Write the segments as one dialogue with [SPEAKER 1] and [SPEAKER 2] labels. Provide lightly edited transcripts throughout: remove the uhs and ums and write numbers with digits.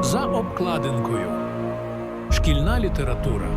[SPEAKER 1] За обкладинкою. Шкільна література.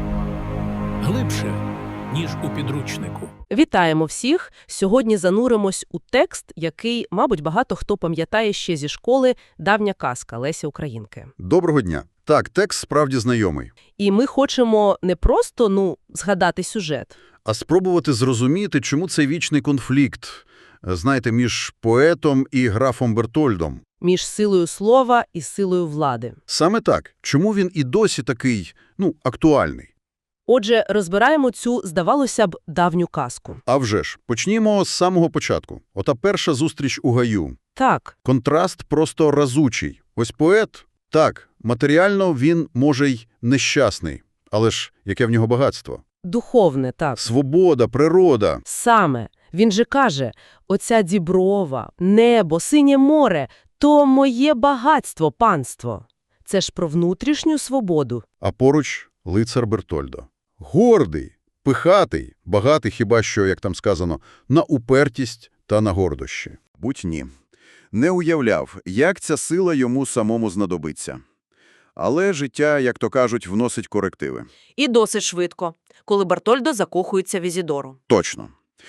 [SPEAKER 1] Глибше, ніж у підручнику.
[SPEAKER 2] Вітаємо всіх! Сьогодні зануримось у текст, який, мабуть, багато хто пам'ятає ще зі школи «Давня казка» Лесі Українки.
[SPEAKER 3] Доброго дня. Так, текст справді знайомий.
[SPEAKER 2] І ми хочемо не просто, згадати сюжет.
[SPEAKER 3] А спробувати зрозуміти, чому цей вічний конфлікт, знаєте, між поетом і графом Бертольдом.
[SPEAKER 2] Між силою слова і силою влади.
[SPEAKER 3] Саме так. Чому він і досі такий, актуальний?
[SPEAKER 2] Отже, розбираємо цю, здавалося б, давню казку.
[SPEAKER 3] А вже ж, почнімо з самого початку. Ота перша зустріч у гаю.
[SPEAKER 2] Так,
[SPEAKER 3] Контраст просто разучий. Ось поет, так, матеріально він, може, й нещасний. Але ж, яке в нього багатство?
[SPEAKER 2] духовне, так.
[SPEAKER 3] Свобода, природа.
[SPEAKER 2] Саме. Він же каже, оця діброва, небо, синє море – то моє багатство, панство. Це ж про внутрішню свободу.
[SPEAKER 3] А поруч лицар Бертольдо. Гордий, пихатий, багатий хіба що, як там сказано, на упертість та на гордощі.
[SPEAKER 4] Будь-ні. Не уявляв, як ця сила йому самому знадобиться. Але життя, як то кажуть, вносить корективи.
[SPEAKER 5] І досить швидко, коли Бертольдо закохується в Ізідору.
[SPEAKER 4] Точно.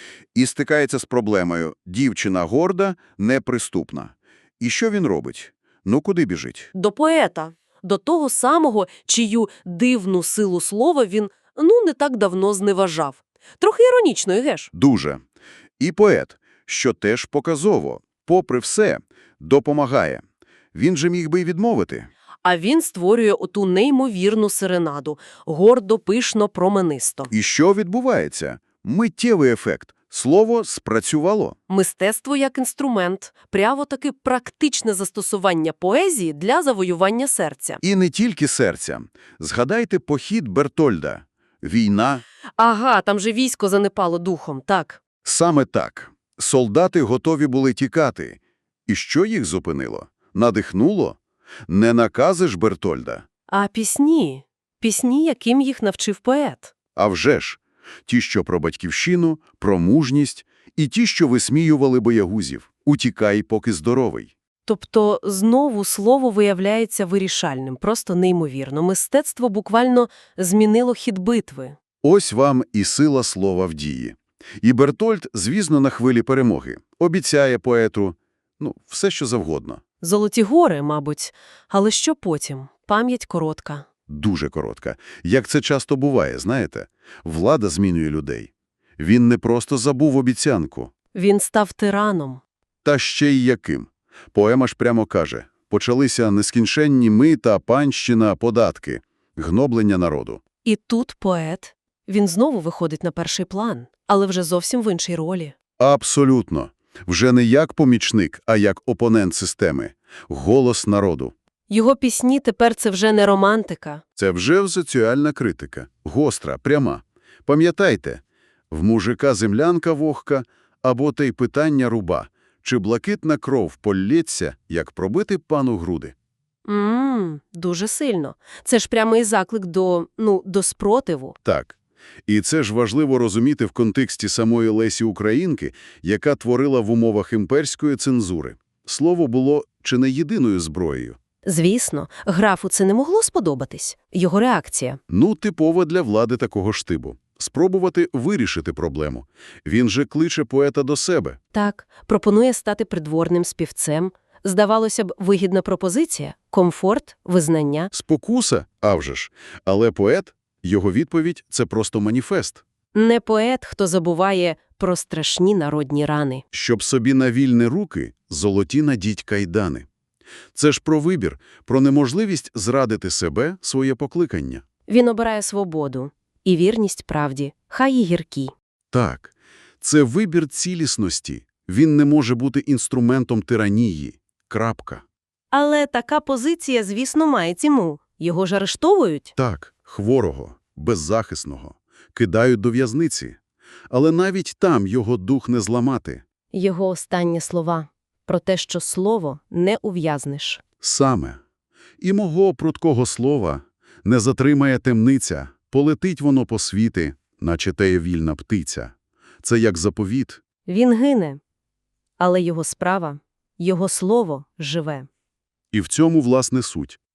[SPEAKER 4] І стикається з проблемою. Дівчина горда, неприступна. І що він робить? Куди біжить?
[SPEAKER 5] До поета, до того самого, чию дивну силу слова він, не так давно зневажав. Трохи іронічно, геш?
[SPEAKER 4] Дуже. І поет, що теж показово, попри все, допомагає. Він же міг би й відмовити.
[SPEAKER 5] А він створює оту неймовірну серенаду, гордо, пишно, променисто.
[SPEAKER 4] І що відбувається? Миттєвий ефект. Слово спрацювало.
[SPEAKER 5] Мистецтво як інструмент, прямо-таки практичне застосування поезії для завоювання серця.
[SPEAKER 4] І не тільки серця. Згадайте похід Бертольда. Війна.
[SPEAKER 5] Ага, там же військо занепало духом, так.
[SPEAKER 4] Саме так. Солдати готові були тікати. І що їх зупинило? Надихнуло? Не накази ж Бертольда.
[SPEAKER 5] А пісні? Пісні, яким їх навчив поет.
[SPEAKER 4] А вже ж. Ті, що про батьківщину, про мужність, і ті, що висміювали боягузів. Утікай, поки здоровий.
[SPEAKER 5] Тобто, знову слово виявляється вирішальним, просто неймовірно. Мистецтво буквально змінило хід битви.
[SPEAKER 4] Ось вам і сила слова в дії. І Бертольд, звісно, на хвилі перемоги. Обіцяє поету, все що завгодно.
[SPEAKER 5] Золоті гори, мабуть. Але що потім? Пам'ять коротка.
[SPEAKER 4] Дуже коротка. Як це часто буває, знаєте? Влада змінює людей. Він не просто забув обіцянку.
[SPEAKER 5] Він став тираном.
[SPEAKER 4] Та ще й яким. Поема ж прямо каже, почалися нескінченні мита, панщина, податки, гноблення народу.
[SPEAKER 5] І тут поет. Він знову виходить на перший план, але вже зовсім в іншій ролі.
[SPEAKER 4] Абсолютно. Вже не як помічник, а як опонент системи. Голос народу.
[SPEAKER 5] Його пісні тепер це вже не романтика.
[SPEAKER 4] Це вже соціальна критика. Гостра, пряма. Пам'ятайте, в мужика землянка вогка, або те й питання руба. Чи блакитна кров полється, як пробити пану груди?
[SPEAKER 5] Дуже сильно. Це ж прямий заклик до спротиву.
[SPEAKER 4] Так. І це ж важливо розуміти в контексті самої Лесі Українки, яка творила в умовах імперської цензури. Слово було чи не єдиною зброєю.
[SPEAKER 5] Звісно, графу це не могло сподобатись. Його реакція.
[SPEAKER 4] Типова для влади такого штибу. Спробувати вирішити проблему. Він же кличе поета до себе.
[SPEAKER 5] Так, пропонує стати придворним співцем. Здавалося б, вигідна пропозиція, комфорт, визнання.
[SPEAKER 4] Спокуса? А вже ж. Але поет, його відповідь – це просто маніфест.
[SPEAKER 5] Не поет, хто забуває про страшні народні рани.
[SPEAKER 4] Щоб собі на вільні руки золоті надіть кайдани. Це ж про вибір, про неможливість зрадити себе, своє покликання.
[SPEAKER 5] Він обирає свободу і вірність правді, хай і гіркі.
[SPEAKER 4] Так, це вибір цілісності. Він не може бути інструментом тиранії. Крапка.
[SPEAKER 5] Але така позиція, звісно, має ціну. Його ж арештовують.
[SPEAKER 4] Так, хворого, беззахисного. Кидають до в'язниці. Але навіть там його дух не зламати.
[SPEAKER 5] Його останні слова про те, що слово не ув'язнеш.
[SPEAKER 4] Саме. І мого прудкого слова не затримає темниця, полетить воно по світи, наче теє вільна птиця. Це як заповіт.
[SPEAKER 5] Він гине, але його справа, його слово живе.
[SPEAKER 4] І в цьому, власне, суть.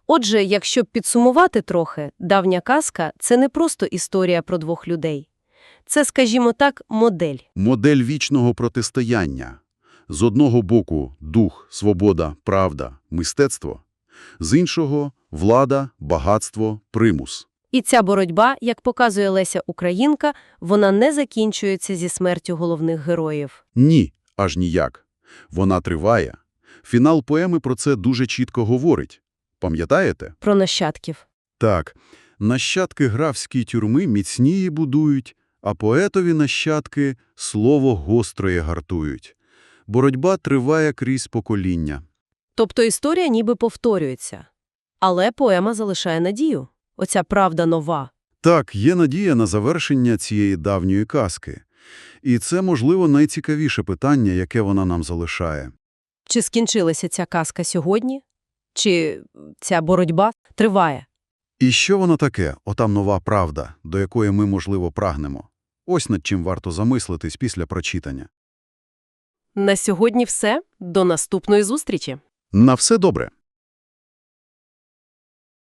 [SPEAKER 2] Отже, якщо підсумувати трохи, давня казка – це не просто історія про двох людей. Це, скажімо так, модель.
[SPEAKER 4] Модель вічного протистояння. З одного боку – дух, свобода, правда, мистецтво. З іншого – влада, багатство, примус.
[SPEAKER 2] І ця боротьба, як показує Леся Українка, вона не закінчується зі смертю головних героїв.
[SPEAKER 4] Ні, аж ніяк. Вона триває. Фінал поеми про це дуже чітко говорить. Пам'ятаєте?
[SPEAKER 2] Про нащадків.
[SPEAKER 4] Так. Нащадки графської тюрми міцніє будують, а поетові нащадки слово гостроє гартують. Боротьба триває крізь покоління.
[SPEAKER 2] Тобто історія ніби повторюється. Але поема залишає надію. Оця правда нова.
[SPEAKER 4] Так, є надія на завершення цієї давньої казки. І це, можливо, найцікавіше питання, яке вона нам залишає.
[SPEAKER 2] Чи скінчилася ця казка сьогодні? Чи ця боротьба триває?
[SPEAKER 4] І що воно таке, отам нова правда, до якої ми, можливо, прагнемо? Ось над чим варто замислитись після прочитання.
[SPEAKER 2] На сьогодні все. До наступної зустрічі.
[SPEAKER 4] На все добре!